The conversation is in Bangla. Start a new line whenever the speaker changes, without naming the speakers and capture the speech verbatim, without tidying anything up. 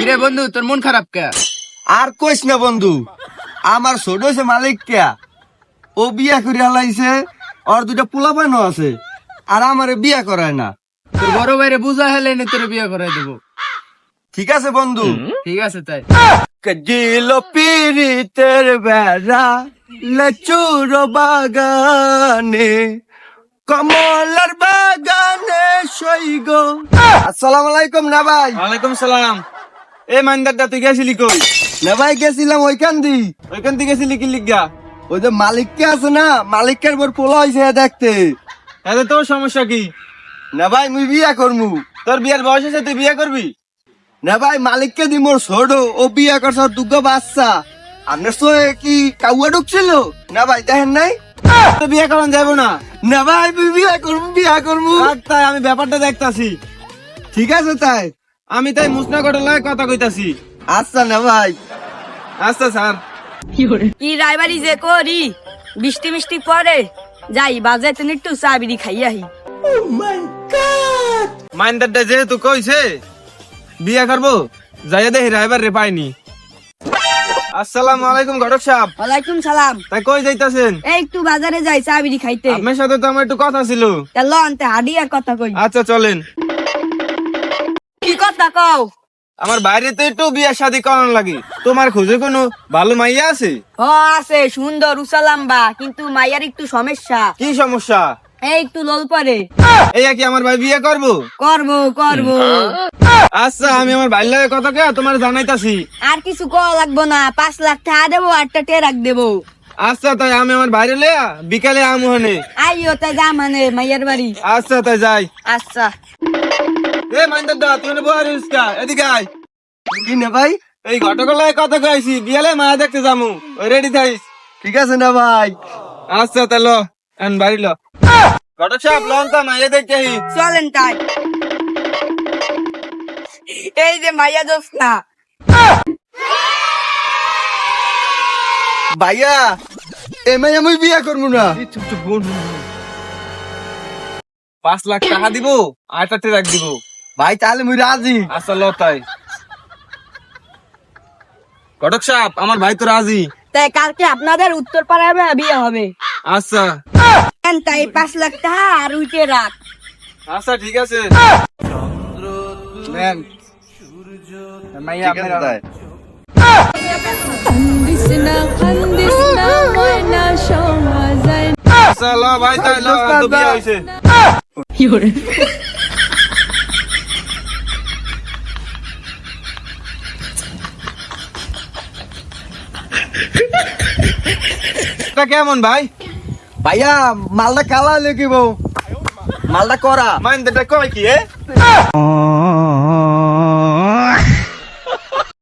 কিরে বন্ধু, তোর মন খারাপ কে?
আর কইস না বন্ধু, আমার ছোট হয়েছে মালিক কে, ও বিয়া করে হালাইছে, ওর দুটা পোলা পানো আছে, আর আমারে বিয়া করায় না।
তোর বড় ভাইরে বুঝা হেলে নি তোর বিয়ে করাই দেবো।
ঠিক আছে বন্ধু।
ঠিক আছে তাই।
কাজিল পিরিতের বেড়া লেচুর বাগানে, কমলার বাগানে সইগ। আসসালামু আলাইকুম না ভাই।
ওয়ালাইকুম সালাম। এ মাইন্দারটা তুই গেছিলি কই?
না ভাই গেছিলাম ওইখান দি।
ওইখান থেকে গেছিলি কি লিগা?
ওই যে মালিককে আছে না, মালিকের বর পোলা হয়েছে দেখতে।
এতে তোর সমস্যা কি?
না ভাই মুই বিয়া করমু।
তোর বিয়ের বয়স হয়েছে, তুই বিয়ে করবি?
না ভাই মালিককে দি মোর ছোট, ও বিয়া করছে ওর দুগ্গা বাচ্চা। আপনার তো কি কাউয়া ঢুকছিল না ভাই, দেখেন নাই?
তো বিয়ে করান যাবো না।
না ভাই মুই বিয়া করমু, বিয়া করমু।
থাক তাই, আমি ব্যাপারটা দেখতাছি।
ঠিক আছে তাই।
আমি তাই মুসনা কটার লাগে কথা কইতাছি।
আচ্ছা না ভাই।
আচ্ছা স্যার।
কি রায়বাড়ি যে করি, বৃষ্টি মিষ্টি পরে যাই বাজারে তো একটু চা বিড়ি খাইয়াহি।
মাইন্দারটা যেহেতু কইছে বিয়ে করবো, যাইয়া দেখি রাইবার রে পাইনি। আসসালামু আলাইকুম ঘটক সাহেব।
ওয়ালাইকুম সালাম।
তাই কই যাইতাছেন?
এই একটু বাজারে যাই চা বিড়ি খাইতে।
আপনার সাথে তো আমার একটু কথা ছিল।
তা লনতে হাডি আর কথা কই।
আচ্ছা চলেন।
কি কথা কও?
আমার বাইরে তো একটু বিয়ে শাদী করানো লাগে, তোমার খোঁজে কোনো ভালো মাইয়া আছে?
হ আছে, সুন্দর উসালাম্বা, কিন্তু মাইয়ার একটু সমস্যা।
কি সমস্যা?
এই একটু লোল পরে।
এই কি আমার ভাই বিয়ে করবো?
করবো করবো।
আচ্ছা আমি আমার ভাইয়ের লাগে কথা কে তোমার জানাইতাছি।
আর কিছু কওয়া লাগবো না, পাঁচ লাখ টাকা দেবো, আটটা টেরাক দেবো।
আচ্ছা তাই আমি আমার বাইরে লেয়া বিকালে আমুহানে।
আইও তাই যা মানে মাইয়ার বাড়ি।
আচ্ছা তাই যাই।
আচ্ছা।
এ মাইন্দার দা, তুই না বহার ইসকা, এদিকে আয়।
কি না ভাই?
এই ঘটকের লাগে কথা কইছি, বিয়ালে মায়া দেখতে যামু, ওই রেডি থাইস।
ঠিক আছে না ভাই।
আচ্ছা তাই লো, এন বাড়ি লো। ঘটক সাহেব লন তা মাইয়া দেখতে আহি।
চলেন তাই। এই যে মাইয়া জোসনা।
ভাইয়া এমআই আমি বিয়া করবো না।
চুপ চুপ বোন। পাঁচ লাখ টাকা দিব, আটটা ট্রাক দিব।
ভাই তাহলে মুই রাজি।
আচ্ছা লো তাই। ঘটক সাহেব আমার ভাই তো রাজি।
তাই কালকে আপনাদের উত্তর পাড়ায় বিয়ে হবে।
আচ্ছা
তাই পাঁচ লাখ টাকা আর উইটে রাখ।
আচ্ছা ঠিক আছে। নেন। মাইয়া
ঠিক আছে
আপনারা
তাই।
আচ্ছা লো ভাই তাই লো, তো বিয়ে হইছে। এটা কেমন ভাই?
ভাইয়া মালটা কালা লেগিব, মালটা করা।
মাইন্দারটা কয় কি এ?